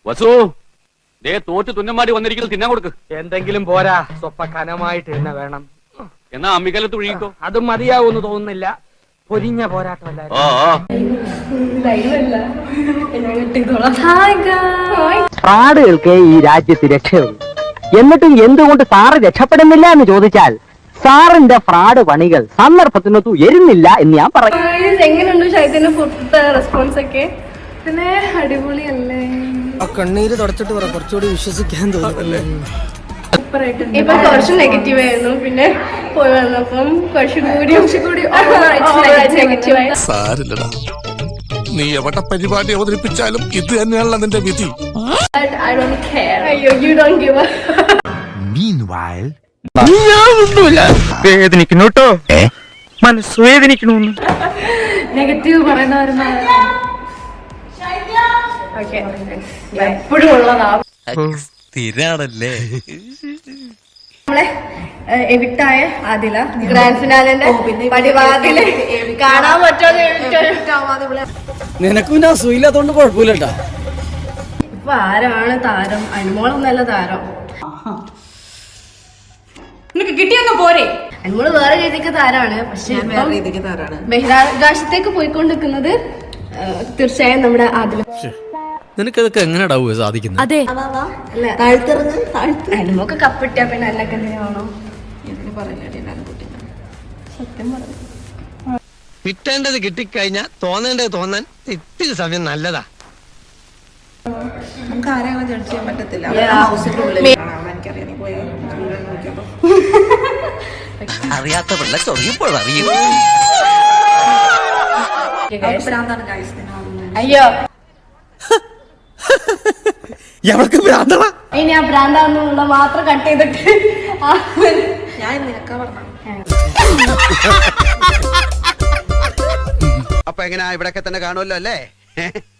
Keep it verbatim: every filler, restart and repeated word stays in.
വസു ദേ തോറ്റ് തുന്നമാടി വന്നിരിക്കുന്നത് തിന്നാൻ കൊടുക്ക്. എന്തെങ്കിലും പോരാ, സ്വപ്പ കനമായിട്ട് തന്നെ വേണം. എന്നാ അമ്മിക്കലത്ത് ഒഴുകിക്കോ. അതും മതിയാവൂന്ന് തോന്നുന്നില്ല. പൊരിഞ്ഞ പോരാട്ടമല്ല. ഫ്രാഡുകൾക്ക് ഈ രാജ്യത്ത് രക്ഷയുള്ളൂ. എന്നിട്ടും എന്തുകൊണ്ട് സാറ് രക്ഷപ്പെടുന്നില്ല എന്ന് ചോദിച്ചാൽ സാറിന്റെ ഫ്രാഡ് പണികൾ സന്ദർഭത്തിനൊത്തു എരുന്നില്ല എന്ന് ഞാൻ പറയും. എങ്ങനെയുണ്ട് ഷൈത്തിന്റെ ഫുഡ് റെസ്പോൺസ് ഒക്കെ? പിന്നെ അടിപൊളിയല്ലേ? കണ്ണീര് തുടച്ചിട്ട് പറ, കുറച്ചുകൂടി വിശ്വസിക്കാൻ തോന്നുന്നല്ലേ. ഇപ്പൊ കുറച്ച് നെഗറ്റീവ് ആയിരുന്നു, പിന്നെ പോയി വന്നപ്പം കുറച്ചുകൂടി കുറച്ചുകൂടി നെഗറ്റീവ്. സാരില്ലടാ, നീ എവിടെ പരിപാടി അവതരിപ്പിച്ചാലും ഇത് തന്നെയാണല്ലോ നിന്റെ വിധി. I don't care. അയ്യോ, you don't give a. Meanwhile, വേദനിക്കുന്നു കേട്ടോ, മനസ്സ് വേദനിക്കണു. നെഗറ്റീവ് പറയുന്നവരുന്ന എപ്പോഴും ഉള്ളതാ. സ്ഥിരാണല്ലേ നമ്മളെ എവിക്റ്റായ ആദില ഗ്രാൻഡ് ഫിനാലിന്റെ പടിവാതില് കാണാൻ പറ്റുമോ? നിനക്കും പിന്നെ അസുഖമില്ലാത്തോണ്ട് കുഴപ്പമില്ലട്ടാ. ഇപ്പൊ ആരാണ് താരം? അനുമോളൊന്നല്ല താരം. നിനക്ക് കിട്ടിയൊന്നും പോരെ? അനുമോള് വേറെ രീതിക്ക് താരാണ്, പക്ഷെ ബഹിരാകാശത്തേക്ക് പോയിക്കൊണ്ടിരിക്കുന്നത് തീർച്ചയായും നമ്മുടെ ആദില. നിനക്കതൊക്കെ എങ്ങനെയാ സാധിക്കുന്നത്? അതെ, അനുമൊക്കെ കപ്പിട്ടിയാ പിന്നെ അല്ലൊക്കെ എന്തിനാണോ സത്യം പറഞ്ഞു. കിട്ടേണ്ടത് കിട്ടിക്കഴിഞ്ഞാ തോന്നേണ്ടത് തോന്നാൻ ഇത്തിരി സമയം നല്ലതാ. നമുക്ക് ആരെയും ജഡ്ജ് ചെയ്യാൻ പറ്റത്തില്ല. അറിയാത്ത പിള്ള ചൊറിയപ്പോൾ അറിയും. അയ്യോ, ഇനി ആ ഭ്രാന്താന്നുള്ള മാത്രം കട്ട് ചെയ്തിട്ട് ഞാൻ നിനക്കാ പറഞ്ഞ. അപ്പൊ എങ്ങനെയാ, ഇവിടൊക്കെ തന്നെ കാണുമല്ലോ അല്ലേ?